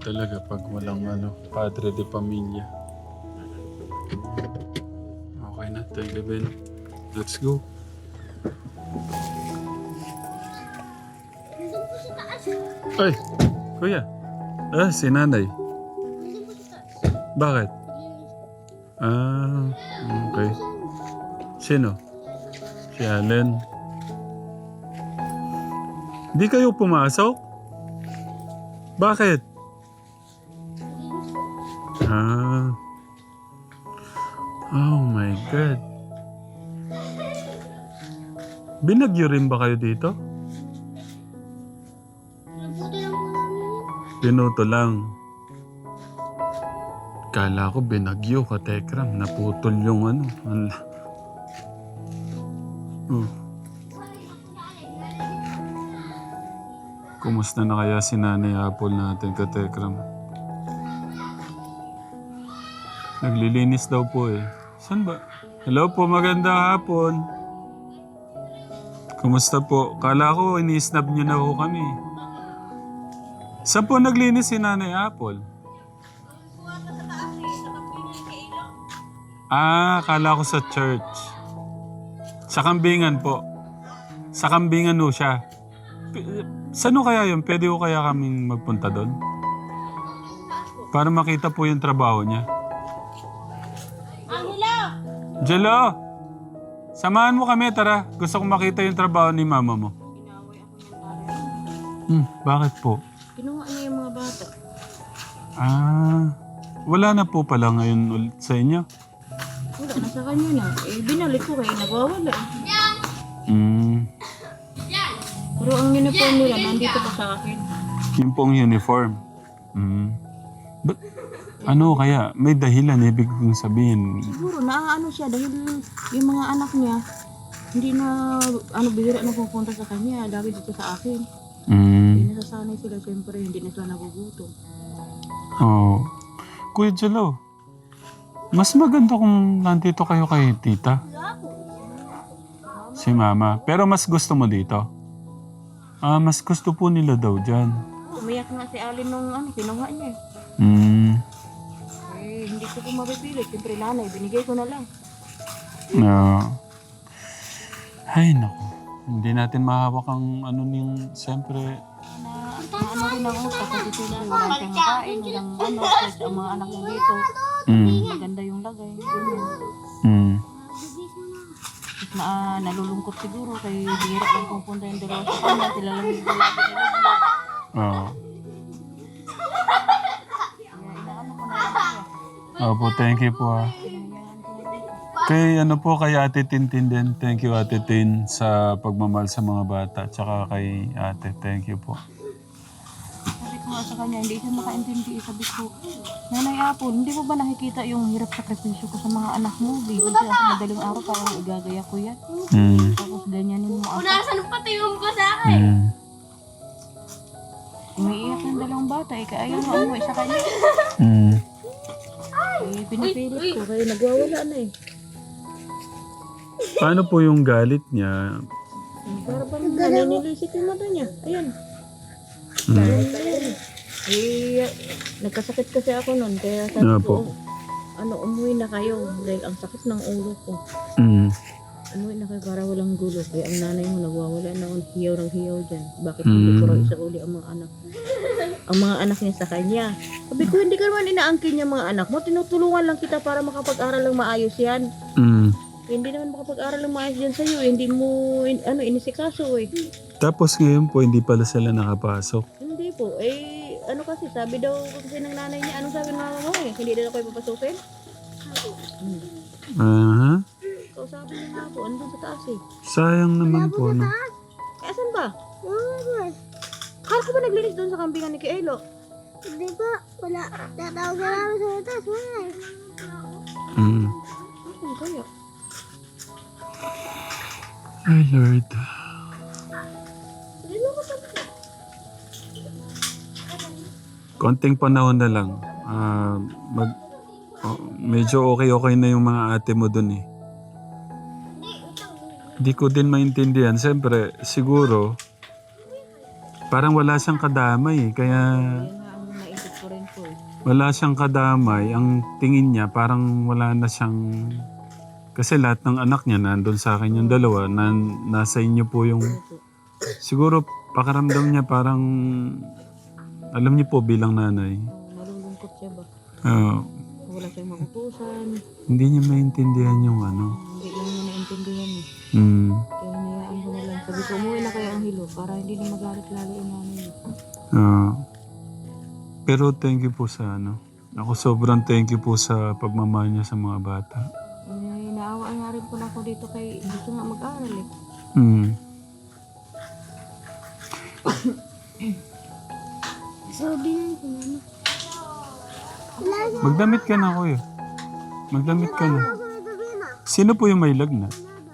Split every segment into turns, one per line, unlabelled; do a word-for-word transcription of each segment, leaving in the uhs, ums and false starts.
talaga pag walang ano, padre de pamilya. Okay na, tayo Ben. Let's go. Ay, kuya. Ah, si nanay. Bakit? Ah, okay. Sino? Si Allen. Di kayo pumasok? Bakit? Ah. Oh my God. Binagyo rin ba kayo dito? Pinuto lang. Kala ko binagyo ka, Tekram. Naputol yung ano. Ala. Oh. Kumusta na kaya si Nanay Apple natin, ka Tekram? Naglilinis daw po eh. Saan ba? Hello po, magandang hapon. Kumusta po? Kala ko ini-snap niyo na po kami. Saan po naglinis si Nanay Apple? Ah, kala ko sa church. Sa Kambingan po. Sa Kambingan ho siya. P- Saan ho kaya yun? Pwede ho kaya kaming magpunta doon? Para makita po yung trabaho niya. Jello! Samahan mo kami, tara. Gusto kong makita yung trabaho ni mama mo. Hmm, bakit po?
Kinuha niya yung mga bata.
Ah, wala na po pala ngayon ulit sa inyo?
Wala na sa kanya na. Eh, binalik ko kayo, nagwawala.
Hmm,
Pero ang uniform nila, nandito pa sa akin.
yung pong uniform. Hmm. But, ano kaya? May dahilan, ibig kong sabihin.
Siguro, naaano siya dahil yung mga anak niya, hindi na, ano, bihira na pupunta sa kanya. Dahil dito sa akin.
Hmm.
Hindi nasasanay sila, siyempre, hindi na sila nagugutom.
Oh. Kuya Jello, mas maganda kung nandito kayo kay tita. Si mama. Pero mas gusto mo dito? Ah, mas gusto po nila daw dyan.
Umiyak nga si Alin nung, ano, kinuha niya.
Hmm.
Eh, hindi ko po mapipilit. Siyempre, nanay, binigay ko na lang.
No. Ay, naku. Hindi natin mahawak ang ano niyang, siyempre.
Na, na ano rin ang utak kasi siyempre, wala siyang kain, walang ano, kasi ang mga anak niya dito.
Mm.
Maganda yung lagay. Ganyan.
Mm.
Tapos na, ah, nalulungkot siguro kay bihira lang pupunta yung dalawa sa kanya. Sila lang yung lagi nila.
Oo.
Kaya inaano ko na lang siya.
Opo, thank you po ah.
Pinahiyaan ko na dito.
Kay ano po, kay Ate Tintin din. Thank you Ate Tin sa pagmamahal sa mga bata. Tsaka kay Ate, thank you po.
Sabi ko nga sa kanya, hindi siya makaintindi. Sabi ko, Nanay Apple, hindi mo ba nakikita yung hirap sakripisyo ko sa mga anak mo? Bigyan siya sa madaling araw, parang igagaya ko yan.
Mm.
Tapos ganyanin mo ako.
Unasan pati yung ko sa akin.
Mm.
Umiiyak ng dalawang bata, eh, kaya ayaw mo umuwi sa kanya.
Mm.
Eh, pinipilit ko, kaya nagwawala na eh.
Paano po yung galit niya?
Para bang naninilisik yung mata niya. Ayan.
Mm.
Ayan. Eh, nagkasakit kasi ako noon, kaya sabi
Ano
ko,
po?
ano, umuwi na kayo. Dahil ang sakit ng ulo ko.
Mm.
Umuwi na kayo para walang gulo. Kaya ang nanay mo nagwawala na ang hiyaw ng hiyaw dyan. Bakit hindi
Mm.
ko raw isa uli ang mga anak? Ang mga anak niya sa kanya. Sabi ko, hindi ka naman inaangkin niya mga anak mo. Tinutulungan lang kita para makapag-aral lang maayos yan.
Mm.
Hindi naman makapag-aral lang maayos dyan sa'yo. Eh. Hindi mo, in, ano, inisikaso eh.
Tapos ngayon po, hindi pala sila nakapasok.
Hindi po. Eh, ano kasi, sabi daw kasi ng nanay niya, anong sabi ng mama mo eh? Hindi daw kayo papasukin? Hmm.
Aha.
So, sabi niya nga po, andun sa taas eh.
Sayang naman po, no?
Eh, asan ba? Kala ko ba naglinis doon sa kambingan ni Kielo?
Hindi po, wala. Tatawag na namin sa ito. Wala.
Mm.
Asan kaya?
Ay, Lord.
Hindi mo ko sabi.
Konting panahon na lang. Ah, mag, oh, medyo okay-okay na yung mga ate mo dun eh. Hindi ko din maintindihan. Siyempre, siguro, parang wala siyang kadamay eh. Kaya,
Yan nga ang naisip ko rin. po eh.
Wala siyang kadamay. Ang tingin niya parang wala na siyang... Kasi lahat ng anak niya nandun sa akin yung dalawa. Na, nasa inyo po yung... Siguro pakaramdam niya parang... Alam niyo po bilang nanay.
Oh, nalulungkot siya ba?
ah,
Wala siyang makutusan.
hindi niya maintindihan yung ano.
Hindi lang niya naintindihan eh.
Hmm.
Kaya hinayaan ko na lang. Sabi ko, umuwi na kayo ang hilo para hindi na magalit lalo yung nanay niya.
Ah, pero thank you po sa ano. Ako sobrang thank you po sa pagmamahal niya sa mga bata.
Eh, naawa nga rin po na ako dito kay gusto nga mag-aral eh.
Hmm.
Sabi na ko mama.
Magdamit ka na, kuya. Magdamit ka na. Sino po yung may lagnat?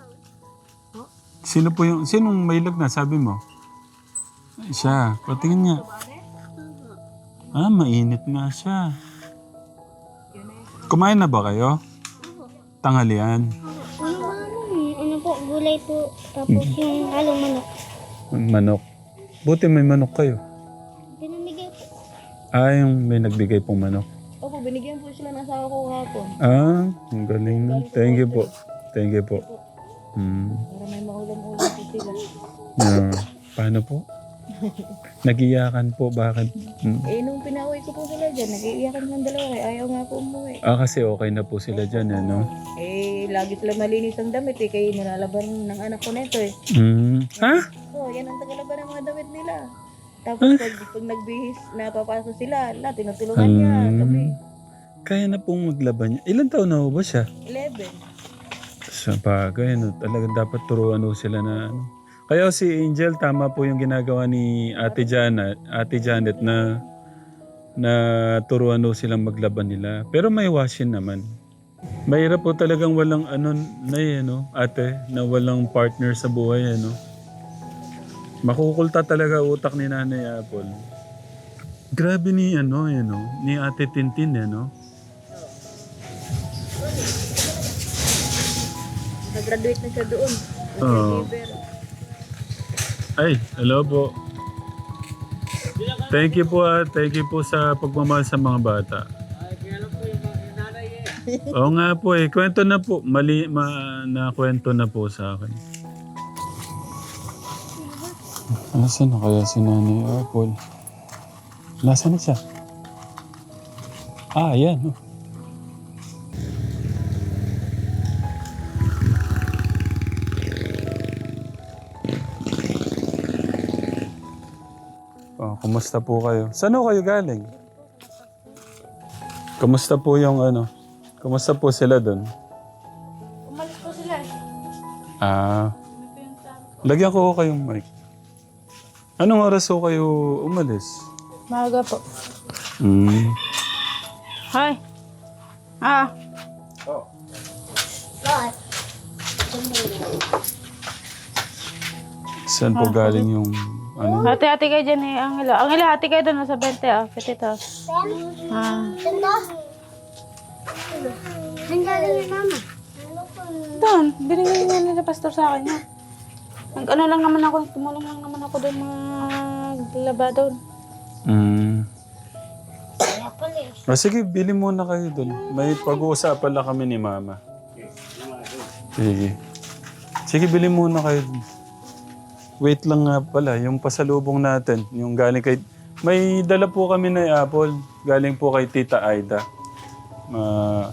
Sino po yung... Sinong may lagnat? Sabi mo? Ay, siya. Patingin niya. Ah, mainit nga siya. Kumain na ba kayo? Tanghalian.
Ano ba ano eh? Ano po, gulay po. Tapos yung halong manok.
Manok. Buti may manok kayo.
Pinamigay po.
Ah, yung may nagbigay pong manok.
Opo, binigyan po sila ng asawa ko hapon.
Ah, ang galing na. Thank you po. Thank you po. Hmm.
Para may maulam-ulam po sila.
Ah, paano po? Nagiyakan po. Bakit? Hmm.
Eh, nung pinauwi ko po sila dyan, nag-iiyakan ng dalawa eh. Ayaw nga po umuwi.
Ah, kasi okay na po sila dyan, eh, no?
Eh, lagi sila malinis ang damit eh. Kaya nilalaban ng anak ko nito eh.
Hmm. Ha?
Oh, yan ang tagalaban ng mga damit nila. Tapos pag, pag nagbihis, napapasok sila, lahat tinutulungan niya. Kami,
Kaya na pong maglaban niya. Ilan taon na ho ba siya?
eleven.
Sa bagay, no? Talagang dapat turuan ho sila na ano. Kaya si Angel, tama po yung ginagawa ni Ate Janet, Ate Janet na na turuan ho silang maglaban nila. Pero may washing naman. Mahirap po talagang walang ano na eh, no? Ate, na walang partner sa buhay, ano? Makukulta talaga utak ni Nanay Apple. Grabe ni ano, eh, no? Ni Ate Tintin, eh, no?
Nag-graduate na siya doon.
Oo. Ay, hello po. Thank you po ah. Thank you po sa pagmamahal sa mga bata. Oo nga po eh. Kwento na po. Mali, ma, na kwento na po sa akin. Nasaan na kaya si Nanay Apple? Nasaan na siya? Ah, ayan. Oh. Oh, kumusta po kayo? Saan ho kayo galing? Kumusta po yung ano? Kumusta po sila doon?
Umalis po sila eh.
Ah. Lagyan ko ho kayong mic. Anong oras ho kayo umalis?
Maaga po.
Hmm.
Hi. Ah.
Saan po galing yung ano?
Hati-hati kayo dyan eh, Angela. Angela, hati kayo doon sa bente ah. Petito. Ah.
Ganda. Ang galing ni mama.
Doon, binigyan niya nila pastor sa akin ha. Nag ano lang naman ako, tumulong lang naman ako doon maglaba doon.
Hmm. Ah, sige, bili muna kayo doon. May pag-uusapan lang kami ni Mama. Sige. Sige, bili muna kayo dun. Wait lang nga pala, yung pasalubong natin, yung galing kay... May dala po kami na apple, galing po kay Tita Aida. Ma...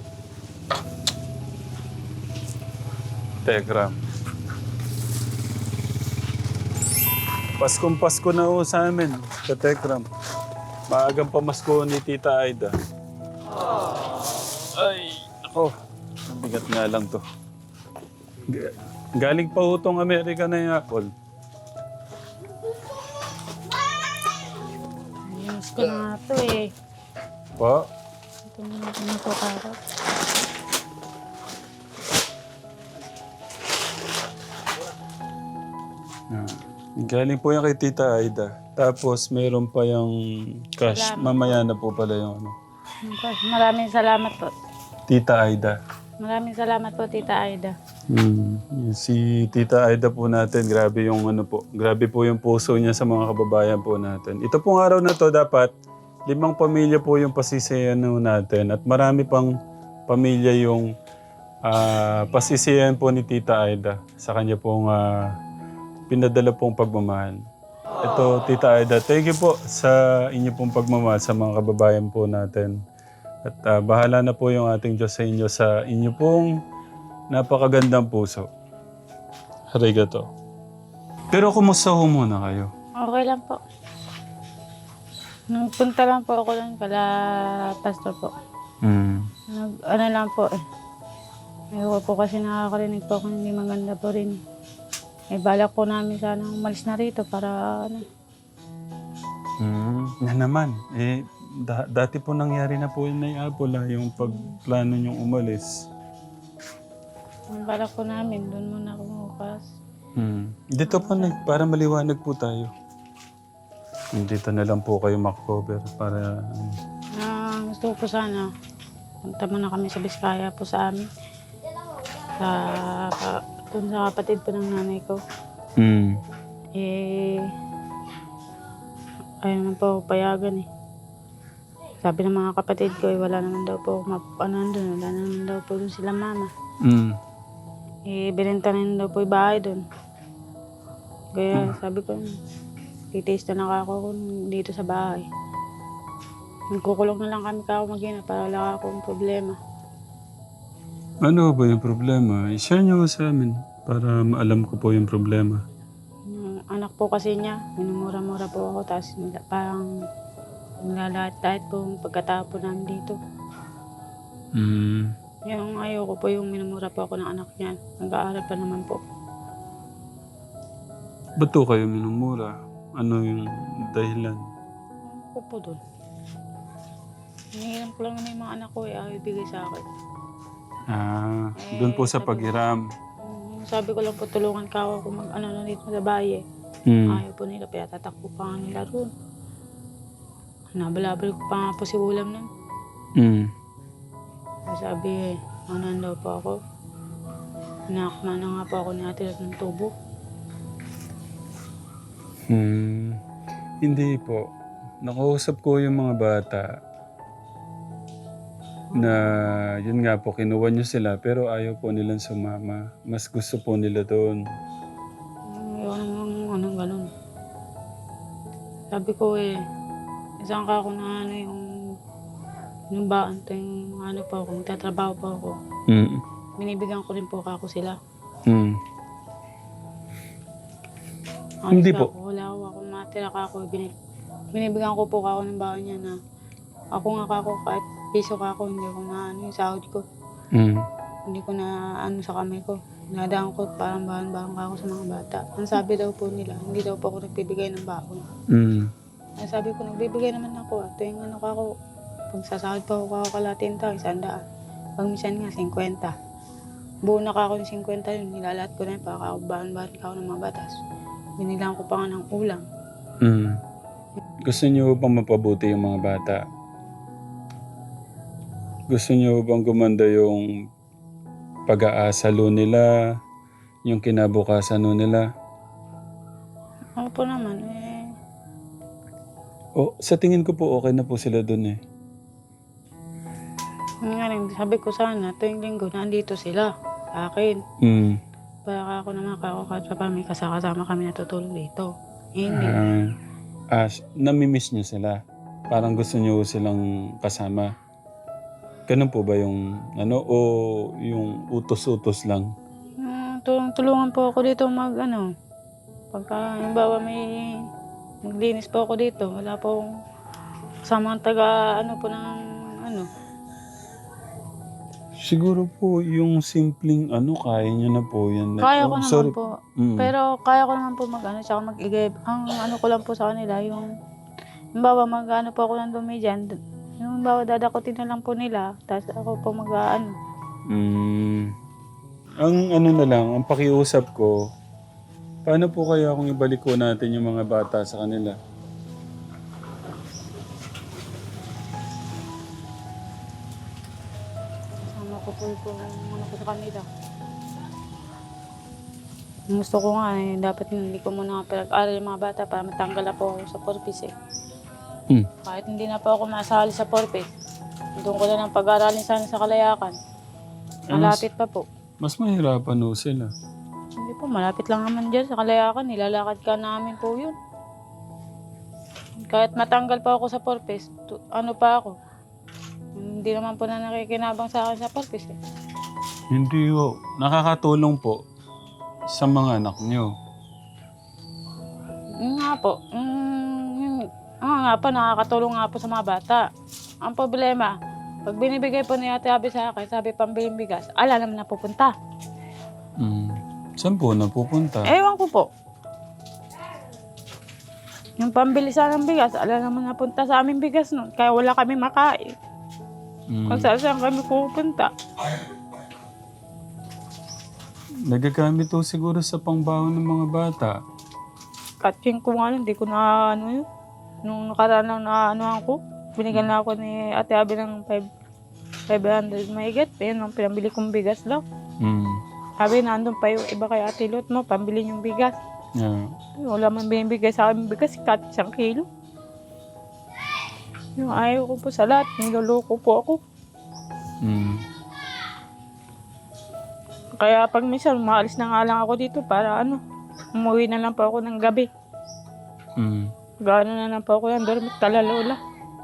Telegram. Paskong Pasko na ho sa amin, sa Telegram. Maagang pamasko ni Tita Aida. Ay, ako. Mabigat nga lang to. G- Galing pa ho tong Amerika na yung apple.
Miss ko na nga to eh.
Po?
Ito na natin na to karot.
Ah. Galing po yan kay Tita Aida. Tapos meron pa yung cash. Mamaya na po pala yung ano.
Maraming salamat po.
Tita Aida.
Maraming salamat po, Tita Aida.
Hmm. Si Tita Aida po natin, grabe yung ano po. Grabe po yung puso niya sa mga kababayan po natin. Ito pong araw na to dapat limang pamilya po yung pasisiyan ho natin at marami pang pamilya yung ah, pasisiyan po ni Tita Aida sa kanya pong ah, pinadala pong pagmamahal. Ito, Tita Aida, thank you po sa inyo pong pagmamahal sa mga kababayan po natin. At ah, bahala na po yung ating Diyos sa inyo sa inyo pong napakagandang puso. Arigato. Pero kumusta ho muna kayo?
Okay lang po. Nagpunta lang po ako lang kala pastor po.
Mm.
Nag, ano lang po eh. Ayoko po kasi nakakarinig po kung hindi maganda po rin. Eh balak po namin sana umalis na rito para ano.
Mm. Na naman, eh, da- dati po nangyari na po yun na Apple, ah, yung pagplano niyong umalis.
Ang balak po namin, doon muna ako bukas.
Mm. Dito po na, para maliwanag po tayo. Dito na lang po kayo makover para...
Ah, gusto ko po sana, punta muna kami sa Biskaya po sa amin. Sa, ka, dun sa kapatid po ng nanay ko.
Mm.
Eh, ayaw naman po payagan eh. Sabi ng mga kapatid ko, eh, wala naman daw po, map, ano doon, wala naman daw po doon sila mama.
Mm.
Eh, binenta na daw po yung bahay doon. Kaya sabi ko, titiis na lang ako dito sa bahay. Nagkukulong na lang kami kako mag-ina para wala akong problema.
Ano ba yung problema? I-share niyo sa amin para maalam ko po yung problema.
Yung anak po kasi niya, minumura-mura po ako, tapos nila- parang nilalahat-lahat po yung pagkatapo namin dito.
Mm.
Yung ayoko po yung minumura po ako ng anak niya. Nag-aaral pa naman po.
Ba't to kayo minumura? Ano yung dahilan?
Ako po doon. Hinihiram ko lang naman yung mga anak ko eh, ayaw ibigay sa akin.
Ah, doon po sa paghiram.
Mm, Sabi ko lang po, tulungan ka ako kung mag-ano na dito sa bahay eh.
Mm.
Ayaw po nila, kaya tatakbo pa nga nila roon. Nabalabal ko pa nga po si Ulam nun.
Mm.
Sabi eh, ano daw po ako. Nakakma na nga po ako ni ate ng tubo.
Hmm. Hindi po. Nakausap ko yung mga bata na yun nga po, kinuha niyo sila pero ayaw po nilang sumama. Mas gusto po nila doon.
Ayaw naman anong ganun. Sabi ko eh, isang ka ako na ano yung yung baan to yung ano po ako, magtatrabaho po ako.
Mm.
Binibigyan ko rin po ako sila.
Mm.
Alis
Hindi
ka
po.
Ako, wala ako, akong matira ka ako. Binib binibigyan ko po ako ng baon niya na ako nga ka ako, kahit piso ka ako, hindi ko na ano yung sahod ko.
Mm.
Hindi ko na ano sa kamay ko. Nadaan ko parang bahan-bahan ka ako sa mga bata. Ang sabi daw po nila, hindi daw po ako nagbibigay ng baon.
Mm.
Ang sabi ko, nagbibigay naman ako. At yung ano ka ako, pag sasahod pa ako ako kalatin tao, isang daan. Pag minsan nga, singkwenta. Buo na ka ako ng singkwenta yun, nilalahat ko na yun, para ako bahan-bahan ka ako ng mga batas. Binilang ko pa nga ng ulam.
Mm. Gusto niyo bang mapabuti yung mga bata? Gusto niyo bang gumanda yung pag-aasa lo nila, yung kinabukasan lo nila?
Ako po naman, eh,
O, sa tingin ko po okay na po sila doon eh.
yun nga rin, sabi ko sana, tuwing linggo, nandito sila sa akin.
Mm.
Para ako naman, ako kahit pa may kasama kami natutulog dito. Eh, hindi.
Ah, ah, namimiss niyo sila. Parang gusto niyo silang kasama. Ganun po ba yung ano o yung utos-utos lang?
Hmm, tulung tulungan po ako dito mag ano. Pagka halimbawa may naglinis po ako dito, wala po akong kasamang taga ano po ng ano.
Siguro po yung simpleng ano kaya niyo na po yan.
Kaya
Oh,
ko naman
sorry.
po.
Mm.
Pero kaya ko naman po mag ano, tsaka mag-igib. Ang ano ko lang po sa kanila, yung halimbawa mag ano po ako ng dumi dyan. Yung halimbawa dadakutin na lang po nila, tapos ako po mag ano.
Mm. Ang ano na lang, ang pakiusap ko, paano po kaya kung ibalik ko natin yung mga bata sa kanila?
Kasama ko po po ang ano ko sa kanila. Ang gusto ko nga eh, dapat hindi ko muna pinag-aral yung mga bata para matanggal na po ako sa purpose eh.
Hmm.
Kahit hindi na po ako masali sa Porpes, doon ko na lang pag-aralin sana sa Kalayakan. Malapit pa po.
Mas mahirapan ho sila.
Hindi po, malapit lang naman dyan sa Kalayakan. Nilalakad ka namin po yun. Kahit matanggal pa ako sa Porpes, tu- ano pa ako. Hindi naman po na nakikinabang sa akin sa Porpes eh.
Hindi ho. Nakakatulong po sa mga anak nyo.
Yun nga po. Mm, yun, ah, nga po, nakakatulong nga po sa mga bata. Ang problema, pag binibigay po ni Ate Abby sa akin, sabi pambiling bigas, ala naman na pupunta.
Mm. Saan po napupunta?
Ewan ko po. Yung pambili sana ng bigas, ala naman napunta sa aming bigas nun. Kaya wala kami makain.
Mm.
Kung saan saan kami pupunta.
Nagagamit ho siguro sa pangbaon ng mga bata.
Catching ko nga, hindi ko na ano yun. Nung nakaraan lang na ano ako, binigyan na ako ni Ate Abby ng five hundred mahigit. Yun ang pinambili kong bigas daw.
Mm.
Sabi, nandun pa yung iba kay Ate Lot mo, pambili yung bigas.
Yeah.
Ay, wala man binibigay sa akin bigas, kat isang kilo. Yung ayaw ko po sa lahat, niloloko po ako.
Mm.
Kaya pag minsan, maalis na nga lang ako dito para ano, umuwi na lang po ako ng gabi.
Mm.
Gano'n na lang po ako yan, dormit talalola.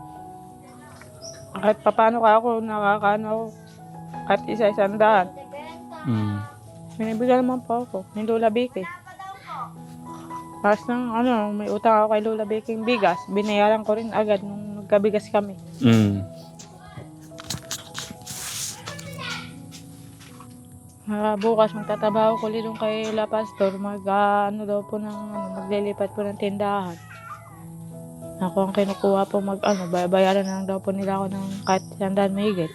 Kahit papano ka ako, nakakaano ako. Kahit isa-isang daan.
Mm.
Binibigyan naman po ako ni Lola Vicky. Tapos nang ano, may utang ako kay Lola Vicky yung bigas, binayaran ko rin agad nung nagkabigas kami.
Mm.
Uh, bukas magtatrabaho ko ulit doon kay La Pastor, mag uh, ano daw po ng ano, maglilipat po ng tindahan. Ako ang kinukuha po mag ano, bayaran na lang daw po nila ako ng kahit sandaan mahigit.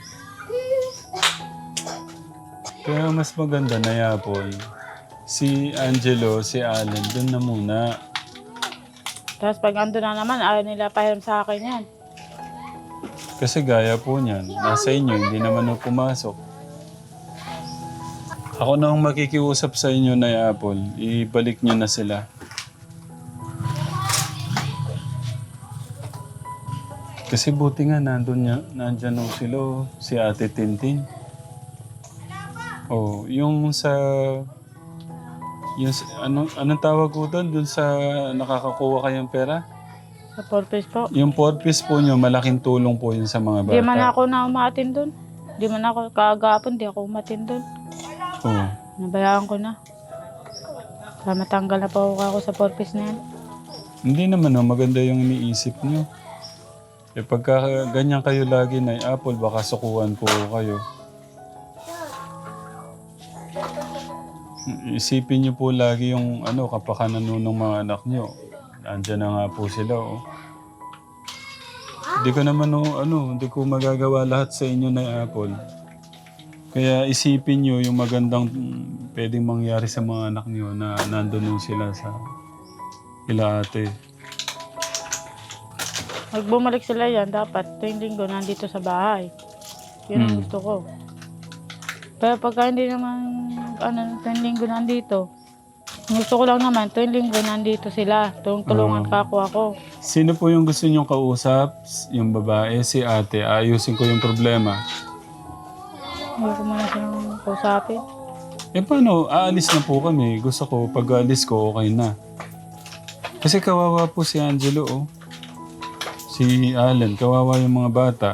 Kaya mas maganda na yapon. Si Angelo, si Allen, dun na muna.
Tapos pag ando na naman, ayaw nila pahiram sa akin yan.
Kasi gaya po niyan, nasa inyo, hindi naman ho pumasok. Ako na ang makikiusap sa inyo na Apple, ibalik nyo na sila. Kasi buti nga, nandun niya, nandyan ho sila, oh, si Ate Tintin. Oh, yung sa... Yung, sa- ano, anong tawag ko doon? Doon sa nakakakuha kayong pera?
Sa Porpes po.
Yung four piece po nyo, malaking tulong po yun sa mga bata.
Di man ako na umatin doon. Di man ako kaagapon, di ako umatin doon.
Oh.
Nabayaan ko na. Para matanggal na po ako sa Porpes na yan.
Hindi naman, no, maganda yung iniisip nyo. Eh pagka ganyan kayo lagi na Apple, baka sukuan po kayo. Isipin nyo po lagi yung ano, kapakanan nun ng mga anak nyo. Andyan na nga po sila, oh. Hindi ko naman, oh, ano, hindi ko magagawa lahat sa inyo na Apple. Kaya isipin nyo yung magandang mm, pwedeng mangyari sa mga anak nyo na nandun nun sila sa ila ate.
Pag bumalik sila yan, dapat tuwing linggo nandito sa bahay. Yun ang
Hmm.
gusto ko. Pero pagka hindi naman, ano, tuwing linggo nandito, ang gusto ko lang naman, tuwing linggo nandito sila. Tulong-tulungan
Oo.
ka ako ako.
Sino po yung gusto nyong kausap? Yung babae, si ate. Ayusin ko yung problema.
Hindi ko muna silang kausapin.
Eh paano? Aalis na po kami. Gusto ko, pag aalis ko, okay na. Kasi kawawa po si Angelo, oh. Si Allen, kawawa yung mga bata.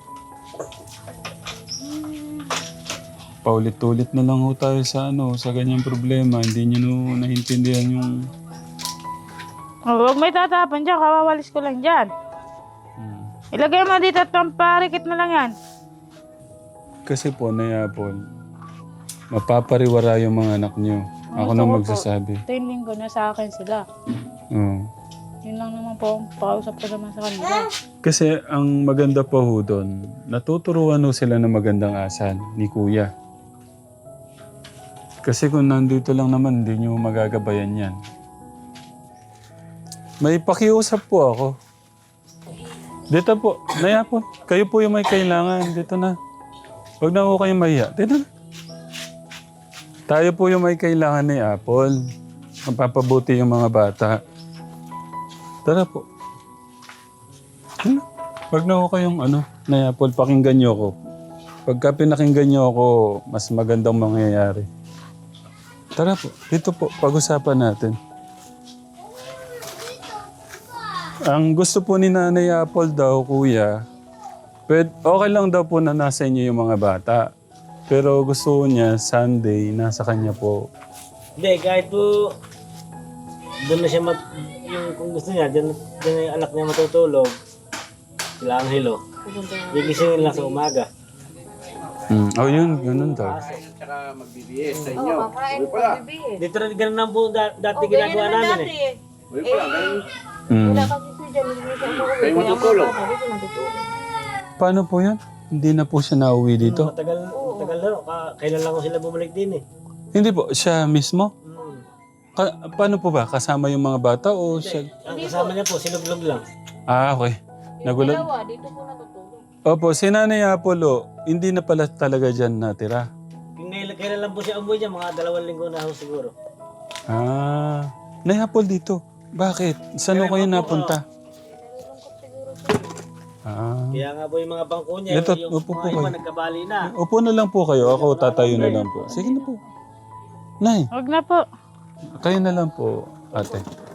Paulit-ulit na lang ho tayo sa ano, sa ganyang problema. Hindi nyo no, naintindihan yung...
Oh, huwag may tatapon dyan, kawawalis ko lang dyan.
Hmm.
Ilagay mo dito at pamparikit na lang yan.
Kasi po, Nayapol, mapapariwara yung mga anak nyo. Ako na
Gusto ko po.
magsasabi.
Tuwing linggo na sa akin sila.
Oo.
Yun lang naman po, ang pakausap ko naman sa kanila.
Kasi ang maganda pa ho doon, natuturuan ho sila ng magandang asal ni Kuya. Kasi kung nandito lang naman, hindi nyo magagabayan yan. May pakiusap po ako. Dito po, Naya po, kayo po yung may kailangan. Dito na. Huwag na ho kayong mahiya. Dito na. Tayo po yung may kailangan ni Apple. Mapapabuti yung mga bata. Tara po. Hmm? Wag na ako kayong ano, Nay Apple, pakinggan niyo ako. Pagka pinakinggan niyo ako, mas magandang mangyayari. Tara po, dito po, pag-usapan natin. Ang gusto po ni Nanay Apple daw, kuya, pwed, okay lang daw po na nasa inyo yung mga bata. Pero gusto niya, Sunday, nasa kanya po.
Hindi, kahit po doon na siya mat... Yung kung gusto niya, dyan, dyan na yung anak niya matutulog. Sila Angelo. Gigisingin lang sa umaga.
Hmm. Oh, yun, ganun daw.
Oo, kakain po, bibigyan.
Dito rin ganun lang po da- dati ginagawa namin eh.
Hmm.
Wala kasi siya dyan, hindi siya umuwi. Kayo matutulog. Dito natutulog.
Paano po yan? Hindi na po siya nauwi dito?
Matagal, matagal na. Ka- kailan lang ko sila bumalik din eh.
Hindi po, siya mismo?
Hmm.
Ka- paano po ba? Kasama yung mga bata o siya?
Ang kasama niya po, sinuglog lang.
Ah, okay.
Yung
Nagulat.
dalawa, dito po natutulog.
Opo, si Nanay Apollo, hindi na pala talaga dyan natira.
Kung kailan, kailan lang po siya umuwi dyan, mga dalawang linggo na ho siguro.
Ah, Nay Apple dito. Bakit? Saan ko kayo napunta? Ah.
Kaya nga po yung mga bangko niya,
Ito,
yung
upo po
mga iba
kayo.
nagkabali na.
Upo na lang po kayo. Ako tatayo na lang po. Sige na po. Nay,
Huwag na po.
kayo na lang po, ate.